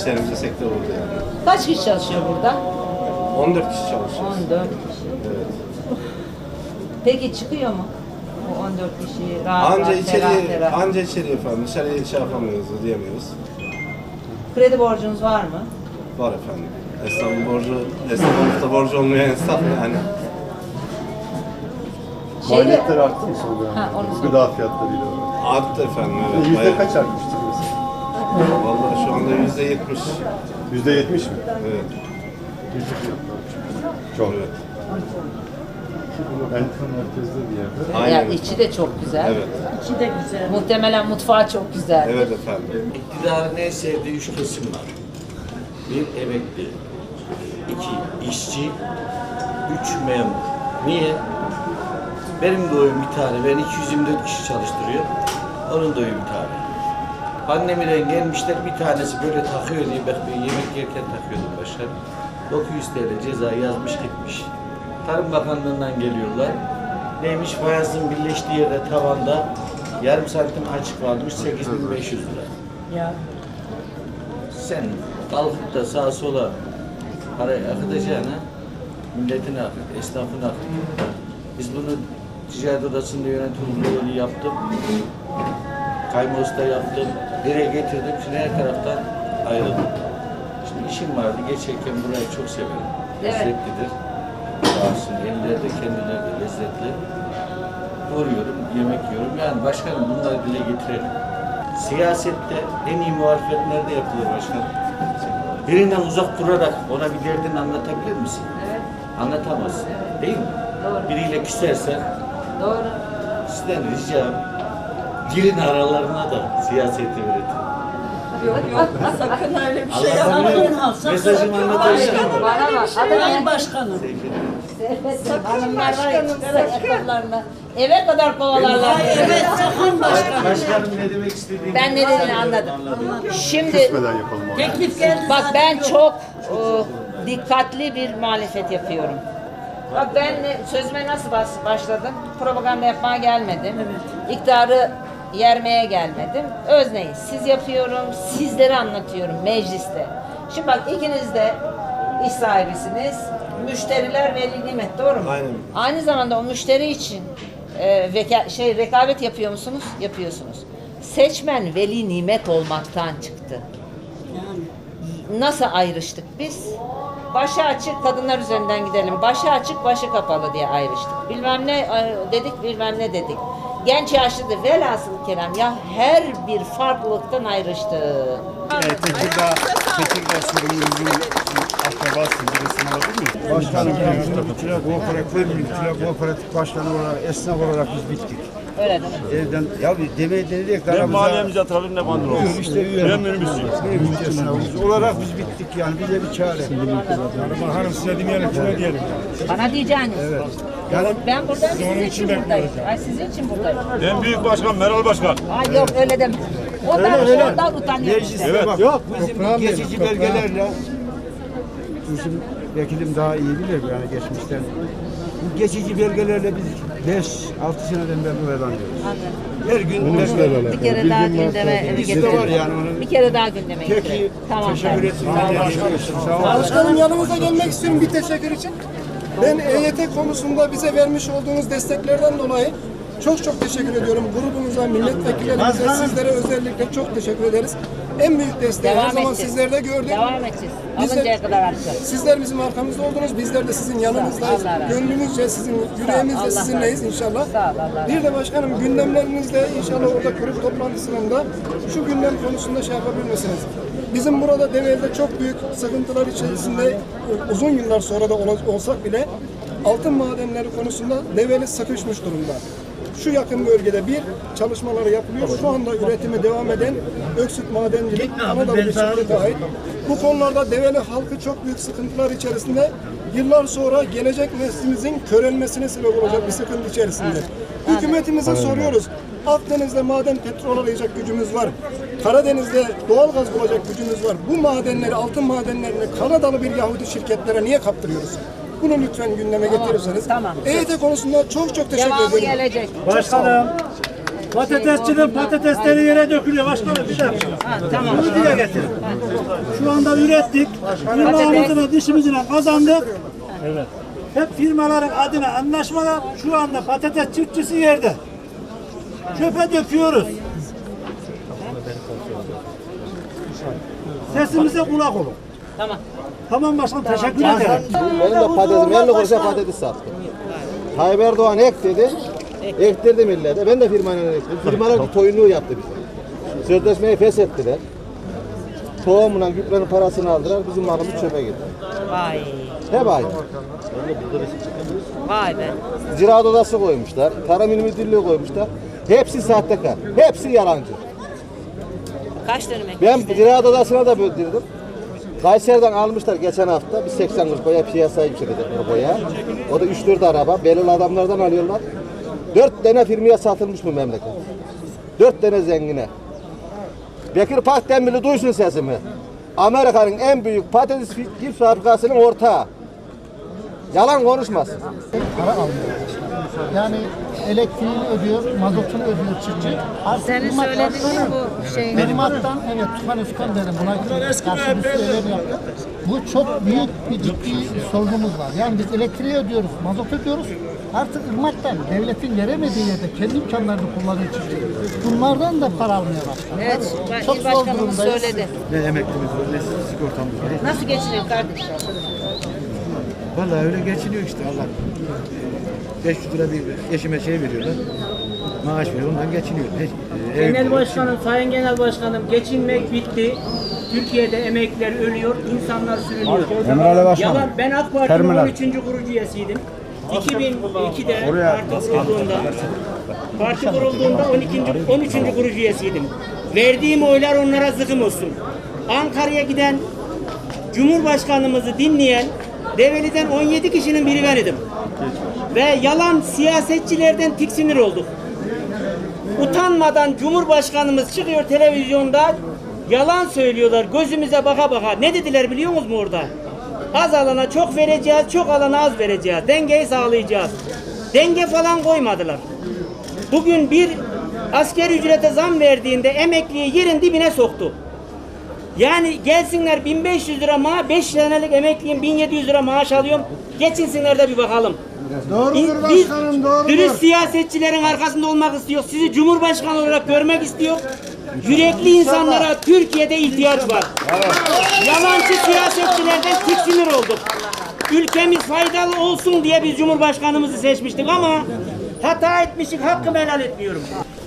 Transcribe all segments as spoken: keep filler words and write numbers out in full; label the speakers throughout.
Speaker 1: işlerimize sektör oldu yani.
Speaker 2: Kaç kişi çalışıyor burada?
Speaker 1: on dört kişi çalışıyoruz.
Speaker 2: on dört kişi.
Speaker 1: Evet.
Speaker 2: Peki çıkıyor mu? Bu on dört kişi rahat
Speaker 1: Anca
Speaker 2: rahat,
Speaker 1: içeri,
Speaker 2: ferah ferah.
Speaker 1: anca içeri efendim. Dışarıya şey yapamıyoruz, ödeyemiyoruz.
Speaker 2: Kredi borcunuz var mı?
Speaker 1: Var efendim. Esnafın borcu, esnafın borcu olmayan esnaf yani.
Speaker 2: Şeyde-
Speaker 3: Maliyetler arttı mı son dönemde?
Speaker 2: Ha, onu sor.
Speaker 3: Gıda fiyatlarıyla.
Speaker 1: Arttı efendim, evet.
Speaker 3: Yüzde
Speaker 1: bayağı.
Speaker 3: kaç artmıştır mesela?
Speaker 1: Vallahi şu anda yüzde yetmiş.
Speaker 3: Yüzde yetmiş mi?
Speaker 1: Evet.
Speaker 3: Çok.
Speaker 1: Evet.
Speaker 3: En merkezde bir yerde.
Speaker 1: Aynen.
Speaker 2: Ya içi de çok güzel.
Speaker 1: Evet.
Speaker 4: İçi de güzel.
Speaker 2: Muhtemelen mutfağı çok güzel.
Speaker 1: Evet efendim.
Speaker 5: İktidarın en sevdiği üç kesim var. Bir emekli, iki işçi, üç memur. Niye? Benim de oyum bir tane, ben iki yüz yirmi dört kişi çalıştırıyor. Onun da oyu bir tane. Pandemiden gelmişler, bir tanesi böyle takıyor diye bak ben yemek yerken takıyordum başkanım. dokuz yüz TL ceza yazmış gitmiş. Tarım Bakanlığı'ndan geliyorlar. Neymiş? Fayansın birleştiği yerde tavanda yarım santim açık varmış, sekiz bin beş yüz lira.
Speaker 2: Ya.
Speaker 5: Sen kalkıp da sağa sola parayı akıtacağına milletin akıt, esnafın akıt. Biz bunu ticaret odasında yönetim kurulu yaptım. Kaymos'ta yaptım. Nereye getirdim? Şimdi her taraftan ayrıldım. Şimdi işim vardı. Geçerken burayı çok severim.
Speaker 2: Evet.
Speaker 5: Lezzetlidir. Sağolsun elleri de kendileri de lezzetli. Uğruyorum, yemek yiyorum. Yani başkanım bunları dile getirelim. Siyasette en iyi muhalefet nerede yapılır başkanım? Birinden uzak durarak ona bir derdini anlatabilir misin?
Speaker 2: Evet.
Speaker 5: Anlatamazsın. Değil mi?
Speaker 2: Doğru.
Speaker 5: Biriyle küsersen
Speaker 2: Doğru.
Speaker 5: sizden ricam girin aralarına da siyaseti üretin.
Speaker 4: Sakın öyle bir şey
Speaker 5: Allah'ım
Speaker 4: yapmayın.
Speaker 5: benim mesajımı anlatabilir miyim?
Speaker 2: Bana bak.
Speaker 4: Sayın Başkanım.
Speaker 2: Sakın hanımlar var ya çıkarak ayakkabılarını eve kadar kovalarlar.
Speaker 4: Ay evet sakın başkanım.
Speaker 5: Başkanım ne demek istediğini
Speaker 2: Ben ne dediğini anladım. Şimdi
Speaker 3: Küsmeden yapalım onu.
Speaker 4: Teklif geldi.
Speaker 2: bak
Speaker 4: zaten
Speaker 2: ben
Speaker 4: yok.
Speaker 2: çok e, dikkatli bir muhalefet yapıyorum. Bak ben e, sözüme nasıl bas- başladım? Propaganda yapmaya gelmedim. İktidarı yermeye gelmedim. Özneyi siz yapıyorum, sizlere anlatıyorum mecliste. Şimdi bak ikiniz de iş sahibisiniz. Müşteriler veli nimet, doğru mu?
Speaker 1: Aynen.
Speaker 2: Aynı zamanda o müşteri için e, veka, şey rekabet yapıyor musunuz? Yapıyorsunuz. Seçmen veli nimet olmaktan çıktı. Nasıl ayrıştık biz? Başı açık kadınlar üzerinden gidelim. Başı açık, başı kapalı diye ayrıştık. Bilmem ne e, dedik, bilmem ne dedik. Genç yaşlıdır. Velhasıl kelam ya her bir farklılıktan ayrıştık.
Speaker 6: Evet, Tekirdağ, Tekirdağ sorumluluğunun akrabası birisini alabilir miyim?
Speaker 7: Başkanım, Mütüle Kooperatif, Mütüle Kooperatif Başkanı olarak, esnaf olarak biz bittik.
Speaker 2: Öyle değil mi?
Speaker 7: Evden, ya bir demeyi denedik.
Speaker 6: Ne mahallemize atalım ne bandıralım.
Speaker 7: İşte üye.
Speaker 6: Ben minibüsüyüm.
Speaker 7: Minibüs esnafımız olarak biz bittik yani, bize bir çare.
Speaker 6: Hanım, hanım size demeyelim, kime diyelim.
Speaker 2: Bana diyeceğiniz.
Speaker 7: Evet. Yani
Speaker 2: Ben buradayım, sizin
Speaker 6: onun
Speaker 2: için
Speaker 6: için
Speaker 2: buradayım. Ay sizin için buradayım.
Speaker 6: En büyük başkan Meral Başkan.
Speaker 2: Ay yok öyle deme. Ondan, ondan utanıyorum işte.
Speaker 6: Evet.
Speaker 7: bak, yok, bizim bu geçici belgelerle, bizim vekilim daha iyi bilir yani geçmişten. Bu geçici belgelerle biz beş altı seneden beri bu elan ediyoruz. Her gün belgeler.
Speaker 2: Bir kere daha gündeme
Speaker 7: Bizde var yani onun.
Speaker 2: Bir kere daha gündeme
Speaker 7: Peki,
Speaker 2: getirelim. Tamam.
Speaker 7: teşekkür etsin. Sağ olun.
Speaker 8: Başkanım yanımıza gelmek istiyorum bir teşekkür için. Ben E Y T konusunda bize vermiş olduğunuz desteklerden dolayı çok çok teşekkür ediyorum. Grubumuza, milletvekillerimize, sizlere özellikle çok teşekkür ederiz. En büyük desteği her
Speaker 2: Devam
Speaker 8: zaman
Speaker 2: edeceğiz.
Speaker 8: sizlerde gördük.
Speaker 2: Devam edeceğiz.
Speaker 8: Biz de-
Speaker 2: Alıncaya kadar atacağız.
Speaker 8: Sizler bizim arkamızda oldunuz. Bizler de sizin yanınızdayız.
Speaker 2: Allah razı olsun.
Speaker 8: Gönlümüzce, sizin
Speaker 2: Allah
Speaker 8: yüreğimizle
Speaker 2: razı
Speaker 8: sizinleyiz
Speaker 2: olsun.
Speaker 8: inşallah.
Speaker 2: Sağ ol, Allah razı
Speaker 8: Bir de başkanım gündemlerinizde inşallah orada kurul toplantısında şu gündem konusunda şey yapabilir misiniz? Bizim burada Develi'de çok büyük sıkıntılar içerisinde uzun yıllar sonra da ola- olsak bile altın madenleri konusunda Develi sıkışmış durumda. Şu yakın bölgede bir çalışmaları yapılıyor. Şu anda üretime devam eden Öksüt Madencilik Anadolu bir şirkete ait. Bu konularda Develi halkı çok büyük sıkıntılar içerisinde. Yıllar sonra gelecek neslimizin körelmesine sebep olacak bir sıkıntı içerisinde. Hükümetimize soruyoruz. Akdeniz'de maden petrol arayacak gücümüz var. Karadeniz'de doğalgaz bulacak gücümüz var. Bu madenleri, altın madenlerini Kanadalı bir Yahudi şirketlere niye kaptırıyoruz? Bunu lütfen gündeme getirirseniz.
Speaker 2: tamam.
Speaker 8: E Y T konusunda çok çok teşekkür
Speaker 2: Devamı
Speaker 8: ederim.
Speaker 2: gelecek.
Speaker 9: Başkanım, Patatesçinin patatesleri yere dökülüyor. Başkanım bir dakika.
Speaker 2: Ha, tamam.
Speaker 9: Bunu dile getirin. Şu anda ürettik. Firmamızın dişimizle kazandık. Evet. Hep firmaların adına anlaşmalar. Şu anda patates çiftçisi yerde. Çöpe döküyoruz. Sesimize kulak olun.
Speaker 2: Tamam.
Speaker 9: Tamam başkanım, teşekkür ederim.
Speaker 1: Benim de patatesim elli kuruşa patates sattım. Tayyip Erdoğan ek dedi. Ektirdi millete. Ben de firmanın ektim. Firmalar bir toyunluğu yaptı bize. Sözleşmeyi feshettiler. Tohumla gübrenin parasını aldılar. Bizim malımız çöpe gitti.
Speaker 2: Vay.
Speaker 1: Hep aynı.
Speaker 2: Vay be.
Speaker 1: Ziraat odası koymuşlar. Tarım İl Müdürlüğü koymuşlar. Hepsi sahtekar. Hepsi yalancı.
Speaker 2: Kaç dönüm
Speaker 1: Ben
Speaker 2: ekmişti?
Speaker 1: ziraat odasına da böldürdüm. Kayseri'den almışlar geçen hafta. Bir seksen kuruş boya piyasaya yükselecek bu boya. O da üç dört araba. Belirli adamlardan alıyorlar. dört tane firmaya satılmış bu memleket. dört tane zengine. Bekir Pakdemirli duysun sesimi. Amerika'nın en büyük patates cips fabrikasının ortağı. Yalan konuşmasın.
Speaker 10: Para almıyor. Yani elektriğini ödüyor, mazotunu ödüyor çiftçi.
Speaker 2: Senin söylediğin bu şey.
Speaker 10: Klimattan evet tufan üskan derim buna karşı bir söylerim yaptım. Bu çok büyük bir ciddi sorunumuz var. Yani biz elektriği ödüyoruz, mazot ödüyoruz. Artık ırmaktan devletin veremediği yerde kendi imkanlarını kullanıyor çiftçi. Bunlardan da para almıyor başkan.
Speaker 2: Evet, ben
Speaker 10: Çok
Speaker 2: il
Speaker 10: zor
Speaker 2: başkanımız
Speaker 10: durumdayız.
Speaker 2: söyledi.
Speaker 7: Ne emeklimiz var, ne sigortamız var.
Speaker 2: Nasıl geçiniyor kardeşim?
Speaker 7: Vallahi öyle geçiniyor işte Allah. beş yüz lira bir eşime şey veriyorlar. Maaş veriyor, ondan geçiniyor. Hiç, e, ev-
Speaker 11: Genel Başkanım, Sayın Genel Başkanım, geçinmek bitti. Türkiye'de emekliler ölüyor, insanlar sürünüyor.
Speaker 7: Emrale Başkanım.
Speaker 11: Yalan, ben AK Parti'nin on üçüncü kurucu üyesiydim. iki bin ikide parti kurulduğunda, parti kurulduğunda on ikinci on üçüncü kurucu üyesiydim. Verdiğim oylar onlara zıkım olsun. Ankara'ya giden Cumhurbaşkanımızı dinleyen Develi'den on yedi kişinin biri ben idim. Ve yalan siyasetçilerden tiksinir olduk. Utanmadan Cumhurbaşkanımız çıkıyor televizyonda, yalan söylüyorlar gözümüze baka baka. Ne dediler biliyor musunuz orada? Az alana çok vereceğiz, çok alana az vereceğiz. Dengeyi sağlayacağız. Denge falan koymadılar. Bugün bir asker ücrete zam verdiğinde emekliyi yerin dibine soktu. Yani gelsinler bin beş yüz lira maaş, beş senelik emekliyim bin yedi yüz lira maaş alıyorum. Geçinsinler de bir bakalım.
Speaker 8: Doğrudur
Speaker 11: Biz
Speaker 8: başkanım, doğrudur.
Speaker 11: dürüst siyasetçilerin arkasında olmak istiyor. Sizi Cumhurbaşkanı olarak görmek istiyor. Yürekli insanlara Türkiye'de ihtiyaç var. Yalancı siyasetçilerden tiksinir olduk. Ülkemiz faydalı olsun diye biz Cumhurbaşkanımızı seçmiştik ama hata etmişik, hakkımı helal etmiyorum.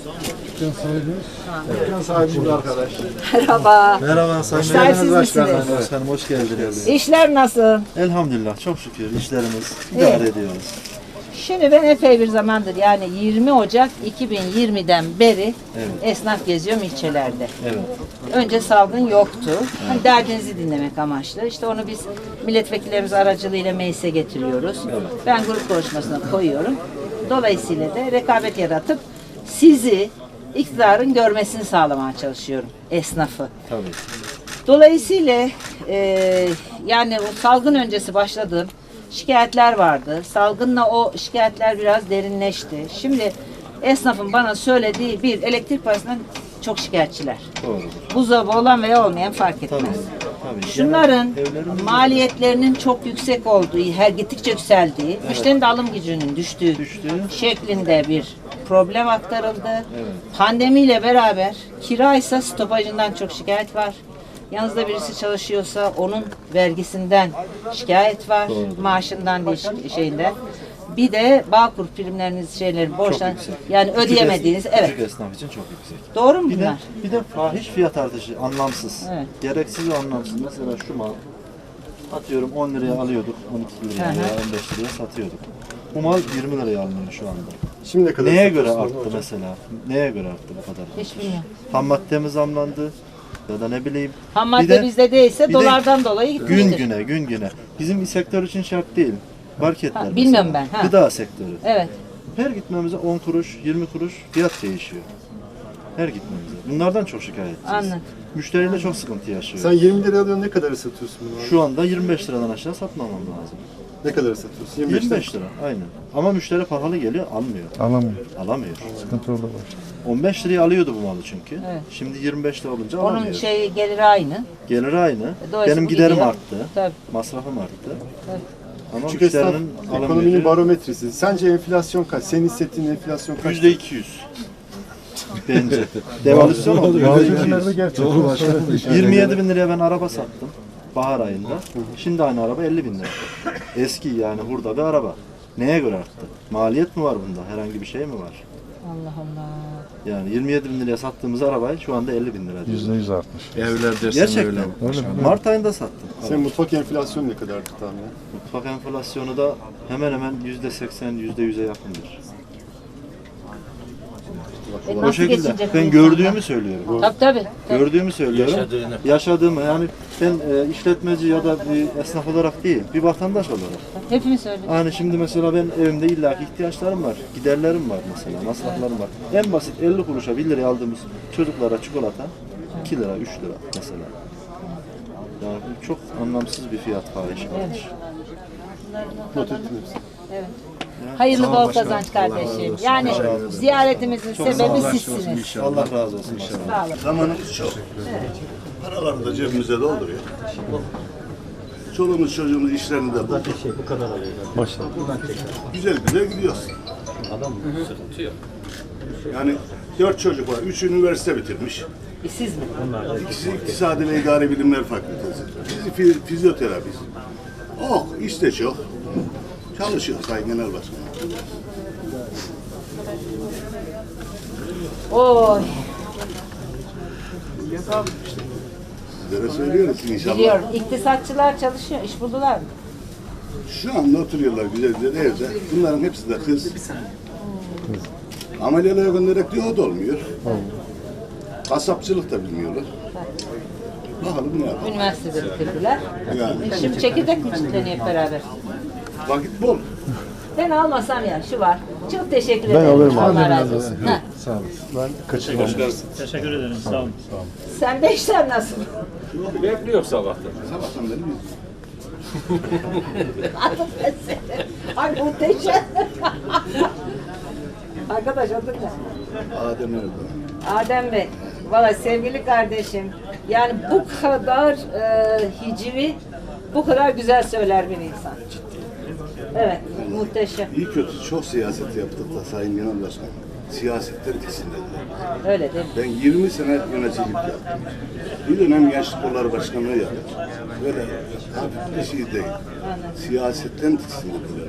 Speaker 3: Dükkan sahibimiz arkadaş.
Speaker 2: Merhaba.
Speaker 3: Merhaba Sayın
Speaker 2: İşler siz
Speaker 3: Başkanım.
Speaker 2: misiniz?
Speaker 3: Başkanım hoş geldiniz.
Speaker 2: İşler nasıl?
Speaker 3: Elhamdülillah çok şükür işlerimiz
Speaker 2: Evet.
Speaker 3: idare ediyoruz.
Speaker 2: Şimdi ben epey bir zamandır yani yirmi Ocak iki bin yirmiden beri
Speaker 3: Evet.
Speaker 2: esnaf geziyorum ilçelerde.
Speaker 3: Evet.
Speaker 2: Önce salgın yoktu. Hani derdinizi dinlemek amaçlı. İşte onu biz milletvekillerimiz aracılığıyla meclise getiriyoruz. Ben grup konuşmasına koyuyorum. Dolayısıyla da rekabet yaratıp sizi iktidarın görmesini sağlamaya çalışıyorum esnafı.
Speaker 3: Tabii.
Speaker 2: Dolayısıyla e, yani o salgın öncesi başladığım şikayetler vardı. Salgınla o şikayetler biraz derinleşti. Şimdi esnafın bana söylediği bir elektrik parasından çok şikayetçiler.
Speaker 3: Doğrudur.
Speaker 2: Buzdolabı olan veya olmayan fark etmez.
Speaker 3: Tabii.
Speaker 2: Şunların
Speaker 3: Genel evlerin-
Speaker 2: maliyetlerinin çok yüksek olduğu, her gittikçe yükseldiği, müşterinin de alım gücünün düştüğü
Speaker 3: Düştüğü.
Speaker 2: şeklinde bir problem aktarıldı. Pandemiyle beraber kiraysa stopajından çok şikayet var. Yanınızda birisi çalışıyorsa onun vergisinden şikayet var. Maaşından değil şeyinden. Bir de Bağkur primleriniz şeylerin borçtan
Speaker 3: yüksek.
Speaker 2: yani
Speaker 3: Küçük
Speaker 2: ödeyemediğiniz
Speaker 3: es-
Speaker 2: evet.
Speaker 3: Küçük esnaf için çok yüksek.
Speaker 2: Doğru mu
Speaker 3: Bir de,
Speaker 2: bunlar?
Speaker 3: bir de fahiş fiyat artışı anlamsız.
Speaker 2: Evet.
Speaker 3: Gereksiz ve anlamsız. Mesela şu mal atıyorum on liraya alıyorduk, on iki liraya
Speaker 2: Hı hı.
Speaker 3: veya on beş liraya satıyorduk. Bu mal yirmi liraya alınıyor şu anda.
Speaker 6: Şimdi kadar
Speaker 3: Neye göre arttı mesela? Neye göre arttı bu kadar?
Speaker 2: Hiç bilmiyorum.
Speaker 3: Ham maddemiz zamlandı ya da ne bileyim.
Speaker 2: Ham
Speaker 3: Bir
Speaker 2: madde
Speaker 3: de-
Speaker 2: bizde değilse
Speaker 3: bir de
Speaker 2: dolardan dolayı gitmiştir.
Speaker 3: Gün güne, gün güne. Bizim sektör için şart değil. Marketler
Speaker 2: Ha, bilmiyorum
Speaker 3: mesela.
Speaker 2: ben, ha.
Speaker 3: Gıda sektörü.
Speaker 2: Evet.
Speaker 3: Her gitmemize on kuruş, yirmi kuruş fiyat değişiyor. Her gitmemize. Bunlardan çok şikayetçiyiz.
Speaker 2: Anladım.
Speaker 3: Müşteriyle çok sıkıntı yaşıyor.
Speaker 6: Sen yirmi liraya alıyorsun, ne kadar satıyorsun bunu?
Speaker 3: Şu anda yirmi beş liradan aşağı satmamam lazım. Ne kadar satıyorsun? yirmi beş lira. Aynen. Ama müşteri pahalı geliyor, almıyor.
Speaker 12: Alamıyor.
Speaker 3: Alamıyor.
Speaker 12: Sıkıntı orada var.
Speaker 3: on beş liraya alıyordu bu malı çünkü.
Speaker 2: Evet.
Speaker 3: Şimdi yirmi beş lira olunca
Speaker 2: Onun
Speaker 3: alamıyor.
Speaker 2: şey geliri aynı.
Speaker 3: Geliri aynı.
Speaker 2: Dolayısıyla
Speaker 3: Benim
Speaker 2: bu
Speaker 3: giderim
Speaker 2: gidiyor.
Speaker 3: arttı.
Speaker 2: Tabii.
Speaker 3: Masrafım arttı.
Speaker 2: Tabii.
Speaker 3: Ama
Speaker 12: Küçük esnaf
Speaker 3: müşterinin
Speaker 12: ekonominin
Speaker 3: alamıyor.
Speaker 12: barometresi. Sence enflasyon kaç? Senin hissettiğin enflasyon kaç?
Speaker 3: Yüzde iki yüz. Bence. Devalüasyon oldu.
Speaker 12: Bazı gerçekten. Doğru başkanım.
Speaker 3: yirmi yedi bin liraya ben araba sattım. Bahar ayında. Şimdi aynı araba elli bin lira. Eski yani hurda bir araba. Neye göre arttı? Maliyet mi var bunda? Herhangi bir şey mi var?
Speaker 2: Allah Allah.
Speaker 3: Yani yirmi yedi bin liraya sattığımız arabayı şu anda elli bin lira.
Speaker 12: Yüzde yüz artmış.
Speaker 6: Evler dersen
Speaker 3: Gerçekten.
Speaker 6: öyle.
Speaker 12: Öyle mi?
Speaker 3: Mart ayında sattım.
Speaker 12: Senin mutfak enflasyonu ne kadardı tahminen?
Speaker 3: Mutfak enflasyonu da hemen hemen yüzde seksen, yüzde yüze yakındır.
Speaker 2: E
Speaker 3: O
Speaker 2: nasıl
Speaker 3: şekilde.
Speaker 2: geçinecek bu
Speaker 3: Ben
Speaker 2: insanlar?
Speaker 3: gördüğümü söylüyorum.
Speaker 2: Tabii tabii. tabii.
Speaker 3: Gördüğümü söylüyorum.
Speaker 5: Yaşadığını.
Speaker 3: Yaşadığımı yani ben e, işletmeci ya da bir esnaf olarak değil, bir vatandaş olarak.
Speaker 2: Hepimiz öyle.
Speaker 3: Hani şimdi mesela ben evimde illaki ihtiyaçlarım var, giderlerim var mesela, masraflarım var. En basit elli kuruşa bir liraya aldığımız çocuklara çikolata iki lira, üç lira mesela. Yani bu çok anlamsız bir fiyat fahişi.
Speaker 2: Evet.
Speaker 12: Not ettim hepsini.
Speaker 2: Evet. Hayırlı bol kazanç kardeşim. Yani ziyaretimizin sebebi sizsiniz.
Speaker 3: Allah razı olsun.
Speaker 2: Sağ olun.
Speaker 6: Zamanımız çok. Paraları da cebimize dolduruyor. Çoluğumuz çocuğumuz işlerinde bu.
Speaker 12: Maşallah.
Speaker 6: Güzel güzel gidiyoruz.
Speaker 5: Sıkıntı yok.
Speaker 6: Yani dört çocuk var. Üç üniversite bitirmiş.
Speaker 2: E siz mi?
Speaker 6: İkisi İktisadi ve İdari Bilimler Fakültesi. Bizi fi- fizyoterapist. Oh, işte çok. Çalışıyor Sayın Genel Başkanım.
Speaker 2: Oy.
Speaker 6: Sizlere söylüyoruz inşallah.
Speaker 2: Biliyorum. İktisatçılar çalışıyor. İş buldular mı?
Speaker 6: Şu anda oturuyorlar güzel güzel evde. Bunların hepsi de kız. Ameliyata göndererek diyor o da olmuyor. Kasapçılık da bilmiyorlar. Bakalım ne yapalım.
Speaker 2: Üniversitede bitirdiler.
Speaker 6: Yani
Speaker 2: E Şimdi çekirdek mi çitleniyor hep beraber?
Speaker 6: vakit bol.
Speaker 2: Ben almasam ya şu var. Çok teşekkür
Speaker 12: Ben
Speaker 2: ederim.
Speaker 12: alırım abi.
Speaker 2: Allah razı olsun. Ha.
Speaker 12: Sağ olasın. Ben kaçırmam.
Speaker 9: Teşekkür ederim. Sağ olun.
Speaker 2: Sen de işler nasıl?
Speaker 5: Bekliyor sabahtan.
Speaker 6: Sabahtan beri biz.
Speaker 2: Ay muhteşem. Arkadaş adın ne?
Speaker 6: Adem nerede?
Speaker 2: Adem Bey. Valla sevgili kardeşim. Yani bu kadar e, hicri, bu kadar güzel söyler bir insan. Evet, muhteşem.
Speaker 6: İyi kötü çok siyaset yaptık da Sayın Genel Başkanım. Siyasetten kesinlediler.
Speaker 2: Öyle değil mi?
Speaker 6: Ben yirmi sene yöneticilik yaptım. Bir dönem Gençlik Kolları Başkanlığı yaptım. Böyle hafif bir şey değil. Siyasetten tiksindiler.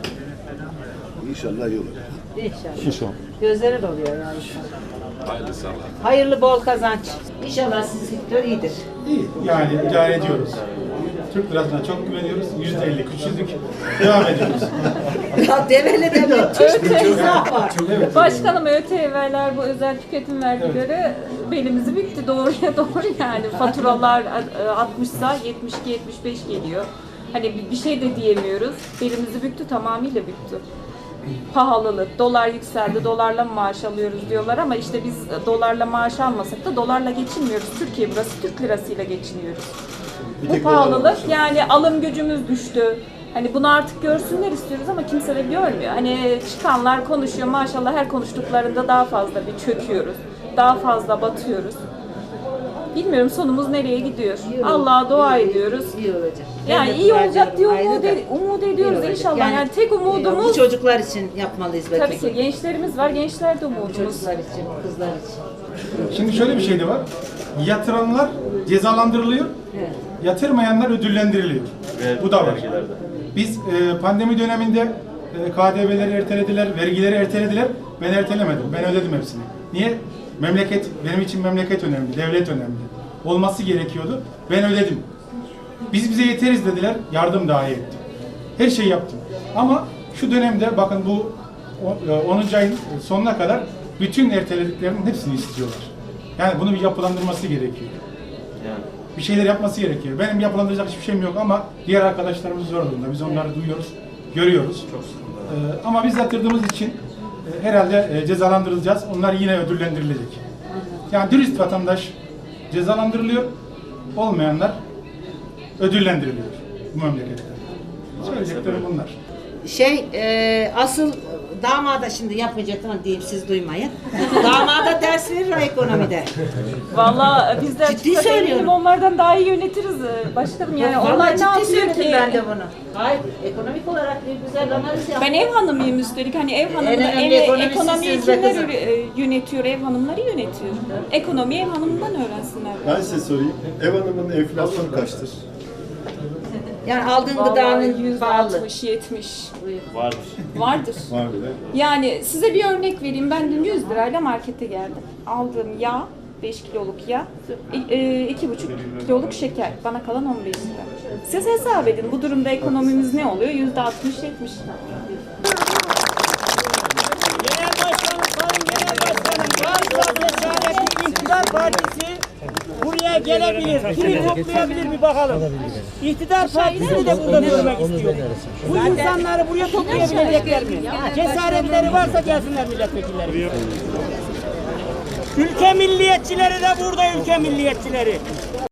Speaker 6: İnşallah iyi olur.
Speaker 2: İnşallah.
Speaker 12: İnşallah.
Speaker 2: Gözleri doluyor yani.
Speaker 5: Hayırlı sabah.
Speaker 2: Hayırlı bol kazanç. İnşallah sizin sektör iyidir.
Speaker 13: İyi, yani idare ediyoruz. Türk lirasına çok güveniyoruz. Yüzde elli küçüldük. Devam ediyoruz.
Speaker 2: Ya Develi'de müthiş bir izah var.
Speaker 14: Başkanım ÖTV'ler bu özel tüketim vergileri belimizi büktü doğruya doğru yani faturalar altmışsa yetmiş iki yetmiş beş geliyor. Hani bir şey de diyemiyoruz. Belimizi büktü, tamamıyla büktü. Pahalılık, dolar yükseldi, dolarla mı maaş alıyoruz diyorlar ama işte biz dolarla maaş almasak da dolarla geçinmiyoruz. Türkiye burası, Türk lirasıyla geçiniyoruz. Bu pahalılık yani alım gücümüz düştü. Hani bunu artık görsünler istiyoruz ama kimse de görmüyor. Hani çıkanlar konuşuyor maşallah her konuştuklarında daha fazla bir çöküyoruz. Daha fazla batıyoruz. Bilmiyorum sonumuz nereye gidiyor. Allah'a dua ediyoruz.
Speaker 2: İyi olacak.
Speaker 14: Yani iyi olacak diye umut, ed- umut ediyoruz inşallah. Yani, yani tek umudumuz...
Speaker 2: Bu çocuklar için yapmalıyız belki.
Speaker 14: Tabii ki gençlerimiz var, gençler de umudumuz.
Speaker 2: Çocuklar için, kızlar için.
Speaker 13: Şimdi şöyle bir şey de var. Yatıranlar cezalandırılıyor.
Speaker 2: Evet.
Speaker 13: Yatırmayanlar ödüllendiriliyor. Bu da var. Biz e, pandemi döneminde e, K D V'leri ertelediler, vergileri ertelediler. Ben ertelemedim. Ben ödedim hepsini. Niye? Memleket, benim için memleket önemli, devlet önemli. Olması gerekiyordu. Ben ödedim. Biz bize yeteriz dediler, yardım dahi ettim. Her şeyi yaptım. Ama şu dönemde bakın bu onuncu ayın sonuna kadar bütün ertelediklerinin hepsini istiyorlar. Yani bunu bir yapılandırması gerekiyor.
Speaker 5: Yani.
Speaker 13: Bir şeyler yapması gerekiyor. Benim yapılandıracak hiçbir şeyim yok ama diğer arkadaşlarımız zor durumda. Biz onları duyuyoruz, görüyoruz. Çok ee, ama biz yatırdığımız için e, herhalde e, cezalandırılacağız. Onlar yine ödüllendirilecek. Yani dürüst vatandaş cezalandırılıyor, olmayanlar ödüllendiriliyor bu memlekette. Söyleyeceklerim bunlar.
Speaker 2: Şey, e, asıl damada şimdi yapacaktım diyeyim siz duymayın. Damada ders verir o ekonomide.
Speaker 14: Vallahi bizler
Speaker 2: Ciddi
Speaker 14: çıksak eminim
Speaker 2: söylüyorum.
Speaker 14: onlardan daha iyi yönetiriz e, başkanım. Yani
Speaker 2: Vallahi
Speaker 14: onlar ne
Speaker 2: ciddi
Speaker 14: yapıyor
Speaker 2: söyledim
Speaker 14: ki?
Speaker 2: ben de bunu. Hayır, ekonomik olarak bir güzel analiz yaptım.
Speaker 14: Ben ev hanımıyım üstelik. Hani ev hanımı
Speaker 2: En
Speaker 14: da
Speaker 2: önemli
Speaker 14: ev,
Speaker 2: ekonomisi
Speaker 14: ekonomiyi
Speaker 2: siz be
Speaker 14: kimler
Speaker 2: kızım.
Speaker 14: e, yönetiyor? Ev hanımları yönetiyor. Ekonomiyi ev hanımından öğrensinler.
Speaker 12: Ben size sorayım. Ev hanımının enflasyonu kaçtır?
Speaker 2: Yani aldığın
Speaker 14: Vallahi
Speaker 2: gıdanın
Speaker 14: yüzde
Speaker 2: pahalı.
Speaker 14: altmış yetmiş
Speaker 5: Vardır.
Speaker 14: vardır.
Speaker 12: Var bile.
Speaker 14: Yani size bir örnek vereyim. Ben dün yüz lirayla markete geldim. Aldığım yağ, beş kiloluk yağ, iki buçuk kiloluk şeker. Bana kalan on beş lira. Siz hesap edin. Bu durumda ekonomimiz ne oluyor? yüzde altmış yetmiş.
Speaker 11: Genel Başkanım, Sayın Genel Başkanım, varsa cesaretli İktidar Partisi buraya gelebilir. Kimi toplayabilir bir bakalım. İktidar Partisi'ni de burada görmek istiyor. Bu insanları buraya toplayabilecekler mi? Cesaretleri varsa gelsinler milletvekilleri. Ülke milliyetçileri de burada, ülke milliyetçileri.